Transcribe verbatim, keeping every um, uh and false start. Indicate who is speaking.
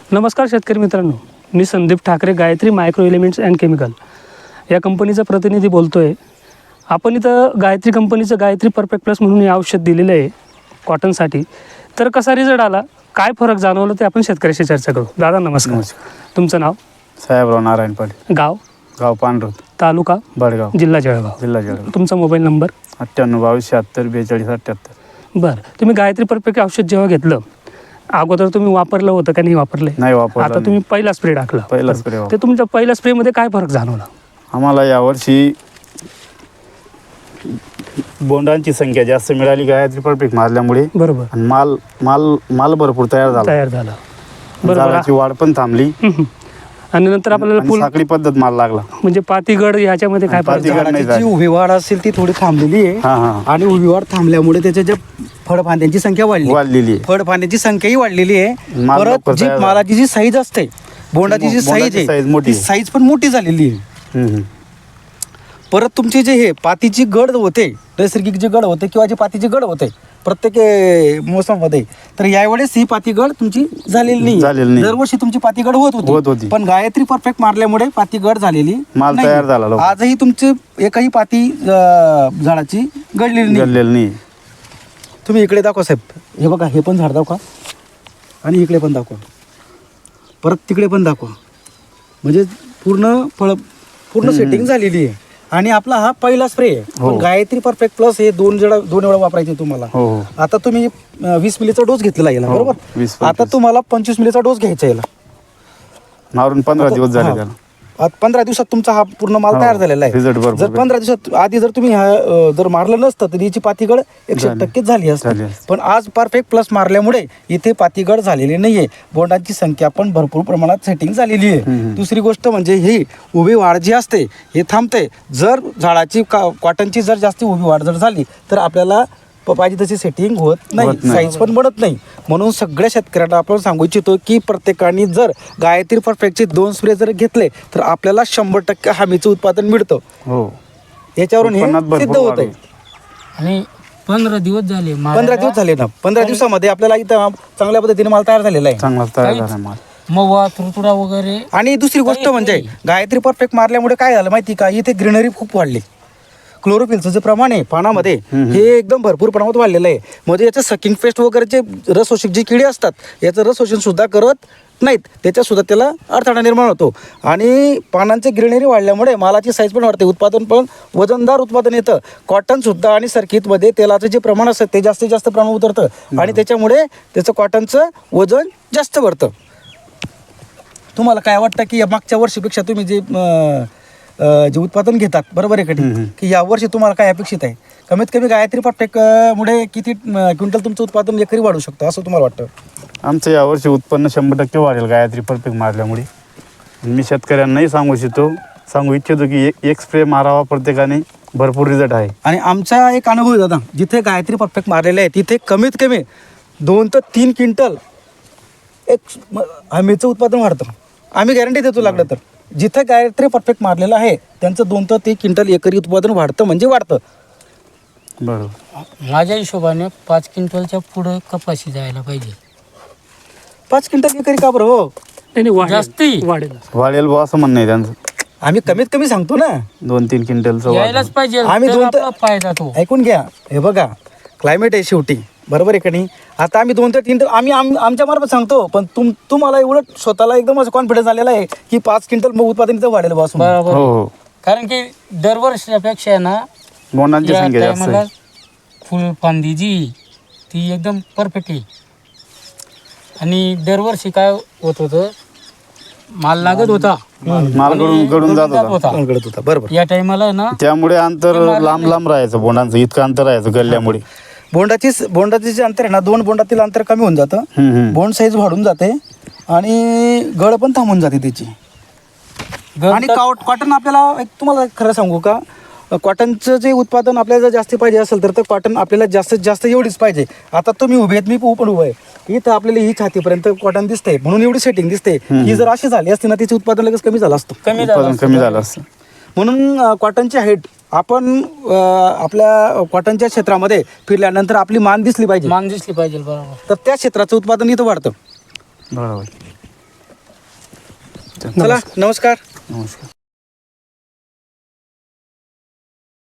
Speaker 1: नमस्कार शेतकरी मित्रांनो, मी Sandeep Thackeray, Gayatri micro elements and chemical या कंपनीचा प्रतिनिधी बोलतो आहे. आपण इथं गायत्री कंपनीचं गायत्री परफेक्ट प्लस म्हणून हे औषध दिलेलं आहे कॉटनसाठी. तर कसा रिझल्ट आला, काय फरक जाणवलं ते आपण शेतकऱ्याशी चर्चा करू. दादा नमस्कार.
Speaker 2: नमस्कार.
Speaker 1: तुमचं नाव?
Speaker 2: साहेबराव नारायण पाटील.
Speaker 1: गाव?
Speaker 2: गाव पांढरुत,
Speaker 1: तालुका
Speaker 2: बडगाव,
Speaker 1: जिल्हा जळगाव.
Speaker 2: जिल्हा जळगाव.
Speaker 1: तुमचा मोबाईल नंबर?
Speaker 2: अठ्ठ्याण्णव बावीस शहात्तर बेचाळीस अठ्ठ्याहत्तर.
Speaker 1: बरं, तुम्ही गायत्री परफेक्ट औषध जेव्हा घेतलं अगोदर तुम्ही वापरलं होतं का नाही वापरलं?
Speaker 2: नाही वापरलं.
Speaker 1: आता तुम्ही पहिला स्प्रे टाकला.
Speaker 2: पहिला स्प्रे.
Speaker 1: ते तुमच्या पहिल्या स्प्रेमध्ये काय फरक जाणवला?
Speaker 2: आम्हाला यावर्षी बोंडांची संख्या जास्त मिळाली गायत्री परफेक्ट मारल्यामुळे.
Speaker 1: बरोबर.
Speaker 2: आणि माल माल माल भरपूर तयार झाला.
Speaker 1: तयार झाला. बरोबर.
Speaker 2: झाडाची वाढ पण थांबली
Speaker 1: आणि नंतर आपल्याला
Speaker 2: आणि
Speaker 1: फुल
Speaker 2: साखळी पद्धत माल लागला.
Speaker 1: म्हणजे पातीगड ह्याच्यामध्ये काय फरक
Speaker 2: पातीगड
Speaker 1: झाला?
Speaker 2: नाही
Speaker 3: झाडाची जी
Speaker 2: झाली.
Speaker 3: उभी वाढ असेल ती थोडी थांबलेली आहे.
Speaker 2: हा हा
Speaker 3: आणि उभी वाढ थांबल्यामुळे त्याच्या ज्या फळफांद्यांची संख्या वाढली,
Speaker 2: वाढलेली आहे.
Speaker 3: फळफांद्यांची संख्याही वाढलेली आहे.
Speaker 2: माल
Speaker 3: परत
Speaker 2: लवकर
Speaker 3: जी
Speaker 2: तयार झाला.
Speaker 3: मालाची जी साईज असते, बोंडाची जी
Speaker 2: बोंडाची
Speaker 3: साईज
Speaker 2: size
Speaker 3: आहे
Speaker 2: मोठी
Speaker 3: ती
Speaker 2: आहे.
Speaker 3: साईज पण मोठी झालेली आहे.
Speaker 2: हम्म, हम्म.
Speaker 3: परत तुमचे जे हे पातीची गड होते, नैसर्गिक जे गड होते किंवा जे पातीचे गड होते प्रत्येक अं, मोसमामध्ये, तर यावेळेस ही पातीगड तुमची झालेली
Speaker 2: झालेली
Speaker 3: नाही.
Speaker 2: नाही.
Speaker 3: दरवर्षी तुमची पातीगड होत
Speaker 2: होत
Speaker 3: होती,
Speaker 2: होती.
Speaker 3: पण गायत्री परफेक्ट मारल्यामुळे पातीगड झालेली
Speaker 2: माल
Speaker 3: नाही.
Speaker 2: तयार झाला लवकर.
Speaker 3: आजही तुमची एकही पाती अं, झाडाची गडलेली नाही.
Speaker 2: गळलेलं नाही.
Speaker 3: तुम्ही इकडे दाखवा साहेब, हे बघा, हे पण झाड दाखवा आणि इकडे पण दाखवा, परत तिकडे पण दाखवा. म्हणजे पूर्ण फळ पूर्ण सेटिंग झालेली आहे. आणि आपला हा पहिला स्प्रे आहे.
Speaker 2: हो.
Speaker 3: पण गायत्री परफेक्ट प्लस हे दोन जण दोन वेळा वापरायचे तुम्हाला.
Speaker 2: हो हो.
Speaker 3: आता तुम्ही अं, वीस मिलीचा डोस घेतलेला याला,
Speaker 2: हो,
Speaker 3: बरोबर.
Speaker 2: वीस
Speaker 3: आता
Speaker 2: पंचवीस.
Speaker 3: तुम्हाला पंचवीस मिलीचा डोस घ्यायचा याला.
Speaker 2: मारून पंधरा दिवस झाले
Speaker 3: हा.
Speaker 2: त्याला.
Speaker 3: आता पंधरा दिवसात तुमचा हा पूर्ण माल
Speaker 2: हो,
Speaker 3: तयार झालेला
Speaker 2: result
Speaker 3: आहे.
Speaker 2: भरपूर
Speaker 3: जर पंधरा दिवसात आधी जर तुम्ही हा, अं, जर मारलं नसतं तर याची पातीगड एकशे
Speaker 2: झाली.
Speaker 3: टक्के झाली असते.
Speaker 2: झाली असती.
Speaker 3: पण आज परफेक्ट प्लस मारल्यामुळे इथे पातीगड झालेली नाहीये. बोंडांची संख्या पण भरपूर प्रमाणात सेटिंग झालेली आहे.
Speaker 2: हम्म.
Speaker 3: दुसरी गोष्ट म्हणजे ही उभी वाढ जी असते हे थांबते. जर झाडाची का कॉटनची जर जास्त उभी वाढ जर झाली तर आपल्याला प- पाहिजे तशी सेटिंग होत नाही,
Speaker 2: होत नाही.
Speaker 3: साईज पण बनत नाही. म्हणून सगळ्या शेतकऱ्यांना आपण सांगू इच्छितो की प्रत्येकाने जर गायत्री परफेक्टचे दोन स्प्रे जर घेतले तर आपल्याला शंभर टक्के हमीचं उत्पादन मिळतं.
Speaker 2: हो.
Speaker 3: याच्यावरून हे
Speaker 2: उत्पन्नात भरपूर
Speaker 3: सिद्ध होत
Speaker 2: वाढ
Speaker 3: आहे.
Speaker 2: होईल.
Speaker 4: आणि पंधरा दिवस झाले
Speaker 3: पंधरा दिवस झाले ना, पंधरा दिवसामध्ये आपल्याला इथं चांगल्या पद्धतीने माल तयार झालेला आहे.
Speaker 2: चांगला तयार
Speaker 4: काहीच-
Speaker 2: झाला माल.
Speaker 4: मवा तुरतुडा वगैरे
Speaker 3: आणि दुसरी गोष्ट
Speaker 4: काहीच
Speaker 3: म्हणजे
Speaker 4: नाही.
Speaker 3: गायत्री परफेक्ट मारल्यामुळे काय झालं माहिती का, इथे ग्रीनरी खूप वाढली. क्लोरोफिलचं जे प्रमाण आहे पानामध्ये हे एकदम भरपूर प्रमाणात वाढलेलं आहे. म्हणजे याचं सकिंग पेस्ट वगैरेचे रसशोषक जे किडे असतात याचं रसशोषण सुद्धा करत नाहीत, त्याच्यात सुद्धा त्याला अडथळा निर्माण होतो. आणि पानांचे ग्रीनरी वाढल्यामुळे मालाची साईज पण वाढते, उत्पादन पण वजनदार उत्पादन येतं. कॉटन सुद्धा आणि सर्किटमध्ये तेलाचं जे प्रमाण असतं ते जास्तीत जास्त प्रमाण उतरतं आणि त्याच्यामुळे त्याचं कॉटनचं वजन जास्त वाढतं. तुम्हाला काय वाटतं की या मागच्या वर्षीपेक्षा तुम्ही जे अं, अं, जे उत्पादन घेतात, बरोबर आहे का
Speaker 2: हम्म.
Speaker 3: नाही, की या वर्षी तुम्हाला काय अपेक्षित आहे? कमीत कमी गायत्री परफेक्ट मुळे किती अं, क्विंटल तुमचं उत्पादन एकरी वाढू शकतं असं तुम्हाला वाटतं?
Speaker 2: आमचं यावर्षी उत्पन्न शंभर टक्के वाढेल गायत्री परफेक्ट मारल्यामुळे. मी शेतकऱ्यांनाही सांगू इच्छितो सांगू इच्छितो की एक एक स्प्रे मारावा प्रत्येकाने, भरपूर रिझल्ट आहे.
Speaker 3: आणि आमचा एक अनुभव आहे दादा, जिथे गायत्री परफेक्ट मारलेले आहे तिथे कमीत कमी दोन ते तीन क्विंटल एक म- हमीचं उत्पादन वाढतं. आम्ही गॅरंटी देतो लागलं तर. जिथे गायत्री परफेक्ट मारलेलं आहे त्यांचं दोन ते तीन क्विंटल एकरी उत्पादन वाढतं म्हणजे वाढतं.
Speaker 2: बरोबर.
Speaker 4: माझ्या हिशोबाने पाच क्विंटलच्या पुढं कपाशी जायला पाहिजे.
Speaker 3: पाच क्विंटल एकरी का बरं हो?
Speaker 1: नाही, नाही, वाढेल.
Speaker 4: जास्ती.
Speaker 1: वाढेल.
Speaker 2: वाढेल बुवा असं म्हणणं आहे त्यांचं.
Speaker 3: आम्ही कमीत कमी सांगतो ना,
Speaker 2: दोन तीन क्विंटलचं वाढ.
Speaker 4: यायलाच पाहिजे.
Speaker 3: आम्ही
Speaker 4: तर
Speaker 3: दोन तर-
Speaker 4: आपला फायदा तो.
Speaker 3: ऐकून घ्या. हे बघा, क्लायमेट आहे शेवटी, बरोबर आहे का नाही. आता आम्ही दोन ते तीन आम्ही आम आमच्या मार्फत सांगतो, पण तुम तुम्हाला एवढं स्वतःला एकदम असं कॉन्फिडन्स आलेला आहे की पाच क्विंटल मग उत्पादन इथं वाढेल बस.
Speaker 4: बरोबर.
Speaker 2: हो हो.
Speaker 4: कारण की दरवर्षीपेक्षा आहे ना
Speaker 2: बोंडांची
Speaker 4: या
Speaker 2: संख्या जास्त
Speaker 4: टायमाला
Speaker 2: आहे.
Speaker 4: फुलफांदी जी ती एकदम परफेक्ट आहे. आणि दरवर्षी काय होत होतं, माल लागत होता,
Speaker 2: माल गळून गळून जात होता.
Speaker 3: घडत होता, बरोबर.
Speaker 4: या टायमाला ना
Speaker 2: त्यामुळे अंतर लांब लांब राहायचं, बोंडांचं इतकं अंतर राहायचं गल्ल्यामुळे.
Speaker 3: बोंडाची बोंडाचे जे अंतर आहे ना, दोन बोंडातील अंतर कमी होऊन जातं,
Speaker 2: हम्म, हम्म.
Speaker 3: बोंड साईज वाढून जाते आणि गळ पण थांबून जाते त्याची.
Speaker 4: गळ
Speaker 3: आणि
Speaker 4: तर-
Speaker 3: काउट कॉटन आपल्याला एक तुम्हाला खरं सांगू का, कॉटनचं जे उत्पादन आपल्याला जर जास्त पाहिजे असेल तर कॉटन आपल्याला जास्तीत जास्त एवढीच पाहिजे. आता तुम्ही उभे आहेत, मी पण उभं आहे, इथं आपल्याला ही छातीपर्यंत कॉटन दिसते म्हणून एवढी सेटिंग दिसते. ही जर अशी झाली असती ना तिचे उत्पादन लगेच कमी झालं असतं.
Speaker 4: कमी झालं
Speaker 2: उत्पादन कमी झालं असतं.
Speaker 3: म्हणून अ, कॉटनची हाईट आपण अ, आपल्या कॉटनच्या क्षेत्रामध्ये फिरल्यानंतर आपली मान दिसली पाहिजे,
Speaker 4: मान दिसली पाहिजे. बरोबर.
Speaker 3: तर त्या क्षेत्राचं उत्पादन इथं वाढतं.
Speaker 2: बरोबर.
Speaker 3: चला नमस्कार.
Speaker 2: नमस्कार.